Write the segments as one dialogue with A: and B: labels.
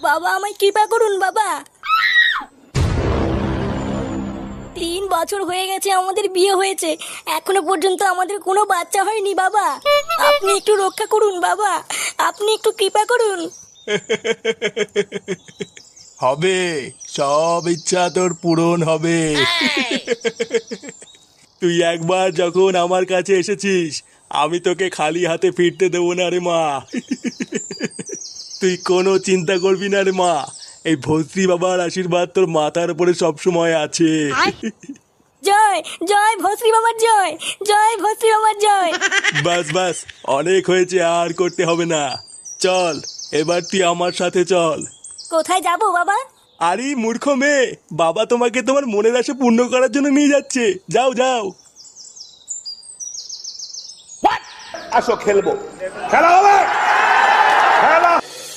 A: বাবা আমায় কৃপা করুন বাবা। 3 বছর হয়ে গেছে আমাদের বিয়ে হয়েছে, এখনো পর্যন্ত আমাদের কোনো বাচ্চা হয়নি বাবা। আপনি একটু রক্ষা করুন বাবা, আপনি একটু কৃপা করুন।
B: হবে, সব ইচ্ছা তোর পূরণ হবে। তুই একবার যখন আমার কাছে এসেছিস, আমি তোকে খালি হাতে ফিরতে দেবো না রে মা। তুই কোনো চিন্তা করবি না রে মা, এই ভস্রী বাবার আশীর্বাদ তোর মাথার উপরে সবসময় আছে।
A: জয় জয় ভস্রী বাবার জয়, জয় ভস্রী বাবার জয়।
B: বাস বাস, অনেক হয়েছে, আর করতে হবে না। চল এবার তুই আমার সাথে চল।
A: কোথায় যাব বাবা?
B: আরে মূর্খ মেয়ে, বাবা তোমাকে তোমার মনের আশা পূর্ণ করার জন্য নিয়ে যাচ্ছে। যাও যাও।
C: আসো খেলবো, খেলা হবে, খেলা।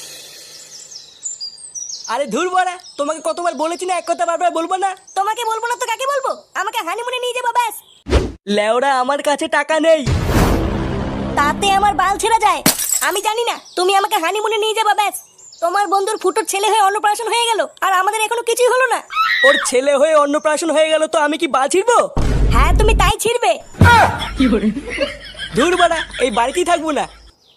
D: আরে ধুর বড়া, তোমাকে কতবার বলেছি না এক কথা বারবার বলবো না।
A: তোমাকে বলবো না তো কাকে বলবো? আমাকে হানিমুনে নিয়ে যাবো ব্যাস।
D: লেওরা আমার কাছে টাকা নেই।
A: তাতে আমার বাল ছেড়া যায়? আমি জানি না, তুমি আমাকে হানিমুনে নিয়ে যাবা ব্যাস। তোমার বন্ধুর ফুটোর ছেলে হয়ে অন্নপ্রাশন হয়ে গেল, আর আমাদের এখনো কিছুই হলো না।
D: ওর ছেলে হয়ে অন্নপ্রাশন হয়ে গেল তো আমি কি বাল ছিড়বো?
A: হ্যাঁ তুমি তাই ছিড়বে।
D: ধুর বড়া, এই বাড়িতেই থাকবো না।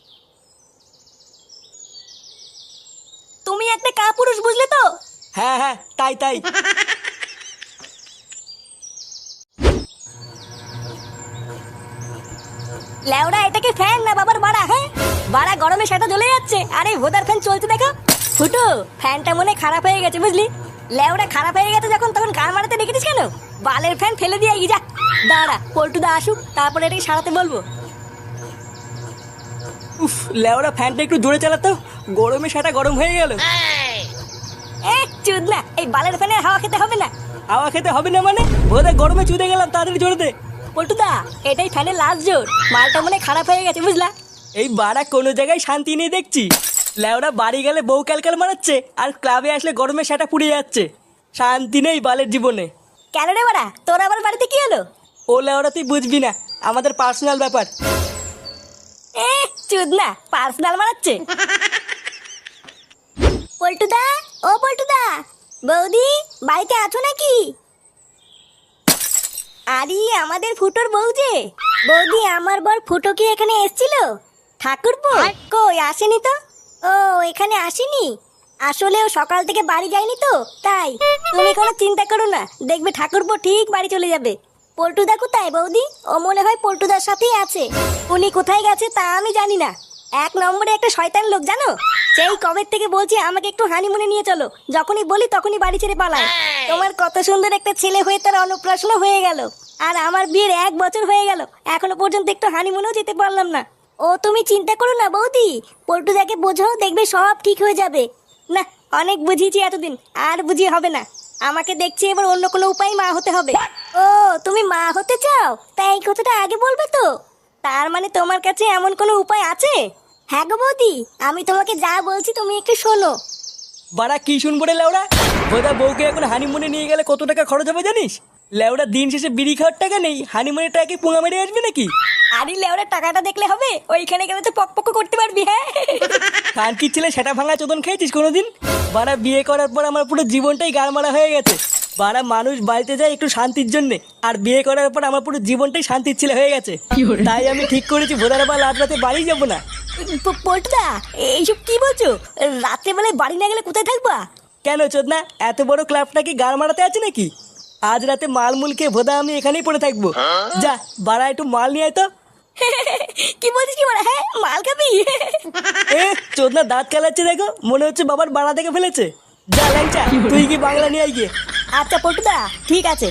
A: তুমি একটা কাপুরুষ, বুঝলে তো?
D: হ্যাঁ হ্যাঁ, তাই তাই।
A: লেওড়া এটাকে ফ্যান না বাবার বাড়া? হ্যাঁ বাড়া, গরমে সেটা জ্বলে যাচ্ছে, আরে ভোদার ফ্যান চলছে দেখো। ফুটো, ফ্যানটা মনে হয় খারাপ হয়ে গেছে বুঝলি। লেওড়া খারাপ হয়ে গেছে যখন, তখন গান মারাতে রেখেছিস কেন? বালের ফ্যান ফেলে দিয়ে যা। দাঁড়া পল্টুদা আসুক, তারপরে এটাকে সারাতে বলবো।
D: উফ, লেওরা ফ্যানটা একটু জোরে চালাতো, গরমে সেটা গরম হয়ে গেল।
A: চুদ না, এই বালের ফ্যানের হাওয়া খেতে হবে না।
D: হাওয়া খেতে হবে না মানে? বোধ গরমে চুদে গেলাম, তাড়াতাড়ি জোরে দে।
A: পল্টুদা, এটাই ফ্যানের লাস্ট জোর, মালটা মনে হয় খারাপ হয়ে গেছে বুঝলা।
D: এই বাড়া কোনো জায়গায় শান্তি নেই দেখছি। লেওরা বাড়ি গেলে বউ ক্যালকাল মারাচ্ছে, আর ক্লাবে আসলে গরমে সেটা পুড়ে যাচ্ছে। শান্তি নেই বালের জীবনে।
A: কেন রে বাড়া, তোর আবার বাড়িতে কি হলো?
D: ও লেওরা তুই বুঝবি না, আমাদের পার্সোনাল ব্যাপার।
A: চুদ না, পার্সোনাল মারাচ্ছে। পল্টুদা, ও পল্টুদা, বৌদি বাড়িতে আছো নাকি? আরে আমাদের ফুটোর বউ যে। বৌদি, আমার বর ফুটো কি এখানে এসেছিল? ঠাকুরপো কই আসেনি তো। ও এখানে আসেনি? আসলে ও সকাল থেকে বাড়ি যায়নি তো তাই। তুমি কোনো চিন্তা করো না, দেখবে ঠাকুরপো ঠিক বাড়ি চলে যাবে। পল্টুদা কোথায় বৌদি? ও মনে হয় পল্টুদার সাথেই আছে। উনি কোথায় গেছে তা আমি জানি না। 1 নম্বরে একটা শয়তান লোক জানো। সেই কবে থেকে বলছি আমাকে একটু হানিমুনে নিয়ে চলো, যখনই বলি তখনই বাড়ি ছেড়ে পালায়। তোমার কত সুন্দর একটা ছেলে হয়ে তার অন্নপ্রাশন হয়ে গেল, আর আমার বিয়ের 1 বছর হয়ে গেল, এখনো পর্যন্ত একটু হানিমুনেও যেতে পারলাম না। ও তুমি চিন্তা করো না বৌদি, পল্টুদাকে বোঝো, দেখবে সব ঠিক হয়ে যাবে। না, অনেক বুঝিয়েছি এতদিন, আর বুঝিয়ে হবে না। আমাকে দেখছি এবার অন্য কোনো উপায় মা হতে হবে। ও তুমি মা হতে চাও? তাই এই কথাটা আগে বলবে তো। তার মানে তোমার কাছে এমন কোনো উপায় আছে? হ্যাঁ গো বৌদি, আমি তোমাকে যা বলছি তুমি একটু শোনো।
D: বাড়া কি শুনবো রে লেওরা? বোধা বউকে এখন হানিমুনে নিয়ে গেলে কত টাকা খরচ হবে জানিস? লেওরা দিন শেষে বিড়ি খাওয়ার টাকা নেই, হানিমুনের টাকা পুঙা মেরে আসবে নাকি?
A: আরে লেওরা টাকাটা দেখলে হবে? ওইখানে গেলে তো পক করতে পারবি। হ্যাঁ
D: কান কি ছেলে সেটা ভাঙা চোদন খেয়েছিস কোনোদিন? বাড়া বিয়ে করার পর আমার পুরো জীবনটাই গাড়মারা হয়ে গেছে। বাড়া মানুষ বাড়িতে যায় একটু শান্তির জন্যে, আর বিয়ে করার পর আমার পুরো জীবনটাই শান্তির ছেলে হয়ে গেছে। তাই আমি ঠিক করেছি ভোদার বা রাত রাতে বাড়ি যাবো না।
A: পল্টুদা, এইসব কি বলছো? রাত্রেবেলায় বাড়ি না গেলে কোথায় থাকবা?
D: কেন চোদনা, এত বড় ক্লাবটা কি গাড় মারাতে আছে নাকি? আজ রাতে মালমুল খেয়ে ভোদা আমি এখানেই পড়ে থাকবো। যা বাড়া একটু মাল নিয়ে আয় তো।
A: কি বলছিস কি বলা? হ্যাঁ মাল খাবি?
D: এ চোদনা দাঁত খেলাচ্ছে দেখো, মনে হচ্ছে বাবার বাড়া থেকে ফেলেছে। যা ল্যাংচা, তুই কি বাংলা নিয়ে আয় গিয়ে।
A: আচ্ছা পল্টুদা, ঠিক আছে।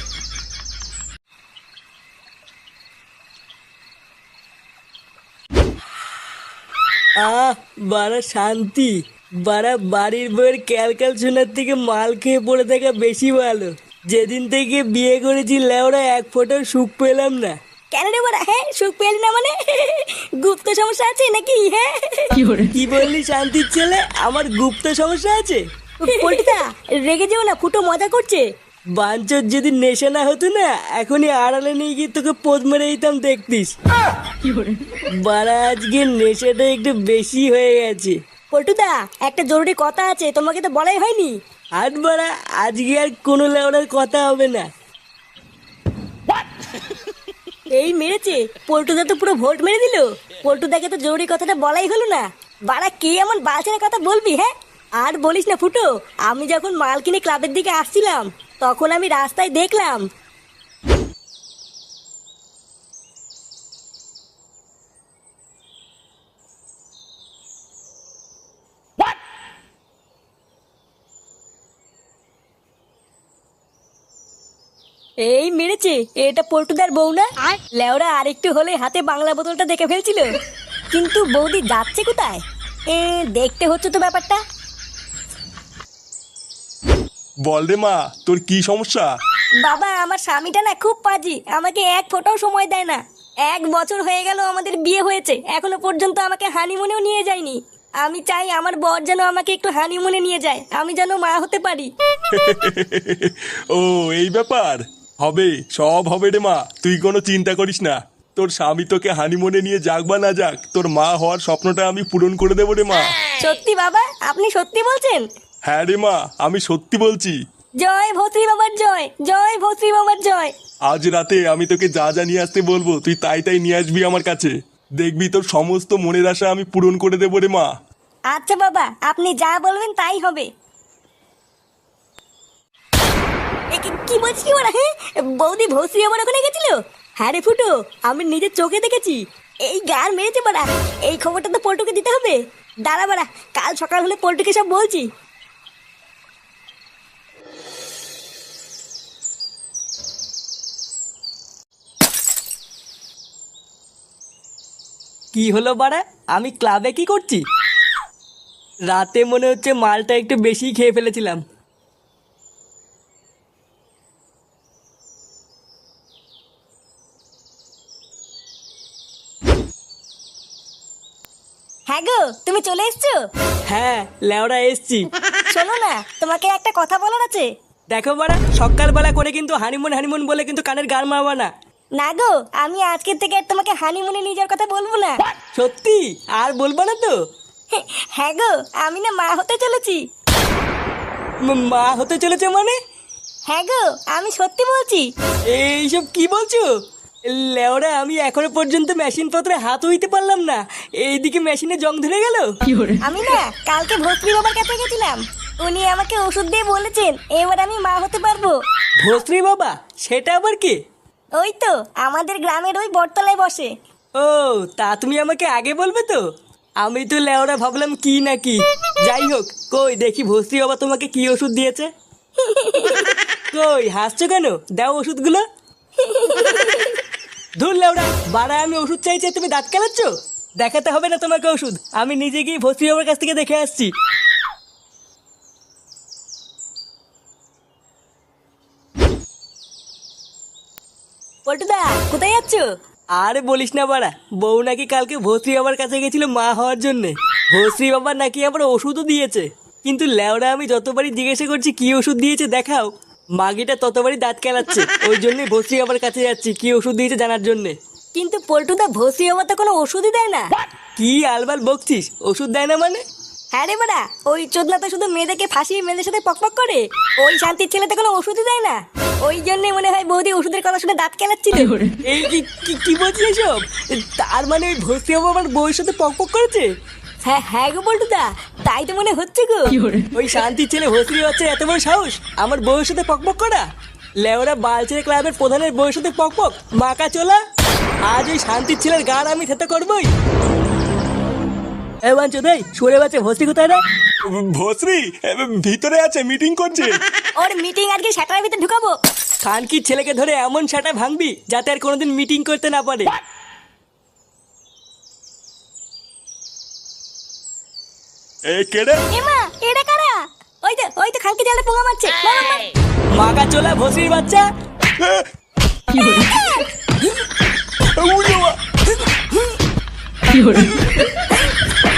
D: বাড়া শান্তি। বাড়া বাড়ির বইয়ের ক্যালকাল শোনার থেকে মাল খেয়ে পড়ে থাকা বেশি ভালো। যেদিন থেকে বিয়ে করেছি লেওরা এক ফোঁটাও সুখ পেলাম না।
A: কেন রে বড়া? হ্যাঁ সুখ পেলি না মানে? গুপ্ত সমস্যা আছে নাকি? হ্যাঁ
D: কি বললি শান্তির ছেলে? আমার গুপ্ত সমস্যা আছে?
A: পল্টুদা রেগে যেও না, ফুটো মজা করছে।
D: বাঞ্চর যদি নেশা না হতো না, এখনই আড়ালে নিয়ে গিয়ে তোকে পোদ মেরে দিতাম দেখতিস। বাড়া আজকে নেশাটা একটু বেশি হয়ে গেছে।
A: পল্টুদা, একটা জরুরি কথা আছে, তোমাকে তো বলাই হয়নি।
D: আর বাড়া আজকে আর কোনো লেওড়ার কথা হবে না।
A: এই মেরেছে, পল্টুদা তো পুরো ভোট মেরে দিল। পল্টুদাকে তো জরুরি কথাটা বলাই হলো না। বাড়া কে এমন বালছেনা কথা বলবি? হ্যাঁ, আর বলিস না ফুটো, আমি যখন মাল কিনে ক্লাবের দিকে আসছিলাম তখন আমি রাস্তায় দেখলাম এই মেরেছে, এটা পল্টুদার বউ না? লেওরা আরেকটু হলে হাতে বাংলা বোতলটা দেখে ফেলছিল। কিন্তু বৌদি যাচ্ছে কোথায়? দেখতে হচ্ছে তো ব্যাপারটা।
B: বল রে মা, তোর কি সমস্যা?
A: বাবা, আমার স্বামীটা না খুব পাজি, আমাকে এক ফোঁটাও সময় দেয় না। 1 বছর হয়ে গেল আমাদের বিয়ে হয়েছে, এখনো পর্যন্ত আমাকে হানিমুনেও নিয়ে যায়নি। আমি চাই আমার বর যেন আমাকে একটু হানিমুনে নিয়ে যায়, আমি যেন মা হতে পারি।
B: ও এই ব্যাপার, হবে, সব হবে রে মা, তুই কোনো চিন্তা করিস না। তোর স্বামী তোকে হানিমুনে নিয়ে যাক বা না যাক, তোর মা হওয়ার স্বপ্নটা আমি পূরণ করে দেবো রে মা।
A: সত্যি বাবা? আপনি সত্যি বলছেন?
B: হ্যাঁ রে মা, আমি সত্যি বলছি।
A: জয় ভৌত্রী বাবার জয়, জয় ভৌত্রী বাবার জয়।
B: আজ রাতে আমি তোকে যা যা নিয়ে আসতে বলবো তুই তাই তাই নিয়ে আসবি আমার কাছে। দেখবি তোর সমস্ত মনের আশা আমি পূরণ করে দেবো রে মা।
A: আচ্ছা বাবা, আপনি যা বলবেন তাই হবে। কি বলছিস কি বলা? হ্যাঁ, বৌদি ভৌত্রী আমার ওখানে গেছিল? হ্যাঁ রে ফুটো, আমি নিজের চোখে দেখেছি। এই গার মেরেছে বাড়া, এই খবরটা তো পল্টুকে দিতে হবে। দাঁড়া বাড়া, কাল সকাল হলে পল্টুকে সব বলছি।
D: কি হলো বাড়া, আমি ক্লাবে কি করছি? রাতে মনে হচ্ছে মালটা একটু বেশি খেয়ে ফেলেছিলাম।
A: হ্যাঁ গো, তুমি চলে এসছো?
D: হ্যাঁ লেওড়া এসছি।
A: শোনো না, তোমাকে একটা কথা বলার আছে।
D: দেখো বাড়া, সকালবেলা করে কিন্তু হানিমুন হানিমুন বলে কিন্তু কানের গান মারবা না।
A: না গো, আমি আজকের থেকে আর তোমাকে হানিমুনে নিয়ে যাওয়ার কথা বলবো না।
D: সত্যি আর বলবা না তো?
A: হ্যাঁ গো, আমি না মা হতে চলেছি।
D: মা হতে চলেছে মানে?
A: হ্যাঁ গো, আমি সত্যি বলছি।
D: এইসব কি বলছো? লেওরা আমি এখনো পর্যন্ত মেশিন পত্রে হাত হইতে পারলাম না, এইদিকে মেশিনে জং ধরে গেল।
A: আমি না কালকে ভস্ত্রী বাবার কাছে গেছিলাম, উনি আমাকে ওষুধ দিয়ে বলেছেন এবার আমি মা হতে পারবো।
D: ভস্রী বাবা? সেটা আবার কি?
A: ওই তো আমাদের গ্রামের ওই বটতলায় বসে।
D: ও, তা তুমি আমাকে আগে বলবে তো, আমি তো লেওরা ভাবলাম কি না কি। যাই হোক, কই দেখি ভস্রী বাবা তোমাকে কি ওষুধ দিয়েছে। কই হাসছো কেন? দাও ওষুধগুলো। ধুর লেওরা, বাড়া আমি ওষুধ চাইছি তুমি দাঁত কেলাচ্ছ? দেখাতে হবে না তোমাকে ওষুধ, আমি নিজে গিয়ে ভস্রী বাবার কাছ থেকে দেখে আসছি।
A: পল্টুদা, কোথায় যাচ্ছ?
D: আরে বলিস না বাড়া, বউ নাকি কালকে ভস্রী বাবার কাছে গেছিল মা হওয়ার জন্য। ভস্রী বাবার নাকি আবার ওষুধও দিয়েছে, কিন্তু ল্যাওড়া আমি যতবারই জিজ্ঞাসা করছি কি ওষুধ দিয়েছে দেখাও, মাগিটা ততবারই দাঁত কেলাচ্ছে। ওই জন্যই ভস্রী বাবার কাছে যাচ্ছি কি ওষুধ দিয়েছে জানার জন্য।
A: কিন্তু পল্টুদা, ভস্রী বাবা তো কোনো ওষুধই দেয় না।
D: কি আলবাল বকছিস? ওষুধ দেয় না মানে?
A: হ্যাঁ রে বাড়া, ওই চোদনা তো শুধু মেয়েদেরকে ফাঁসিয়ে মেয়েদের সাথে পকপক করে, ওই শান্তির ছেলেতে কোনো ওষুধই দেয় না। ওই জন্যই মনে হয় বৌদি ওষুধের কথা শুনে দাঁত কেলাচ্ছিল।
D: এই কি বলছিস এসব? তার মানে ওই ভস্রী বাবা আমার বউয়ের সাথে পকপক করেছে?
A: হ্যাঁ হ্যাঁ গো পল্টুদা, তাই তো মনে হচ্ছে গো।
D: ওই শান্তির ছেলে ভস্রী বাচ্চা এত বড় সাহস আমার বউয়ের সাথে পকপক করা? লেওরা বালছেড়ে ক্লাবের প্রধানের বউয়ের সাথে পকপক, মাকা চোলা। আজ ওই শান্তির ছেলের গান আমি থেতে করবই। এ বাঞ্চো দেই, সরে বাচ্চা ভস্রী কোথায় রে?
B: ভস্রী ভিতরে আছে, মিটিং করছে।
A: ওর মিটিং আজকে সেটার ভিতরে ঢুকাবো।
D: খানকির ছেলেকে ধরে এমন সেটা ভাঙবি যাতে আর কোনোদিন মিটিং করতে না পারে।
B: এ কেড়ে
A: এমা, এটা কারা? ওই তো খানকি জালে পোঙা মারছে। মার, মার, মার।
D: মাকা চোলা ভস্রীর বাচ্চা।
B: উড়ে বাবা।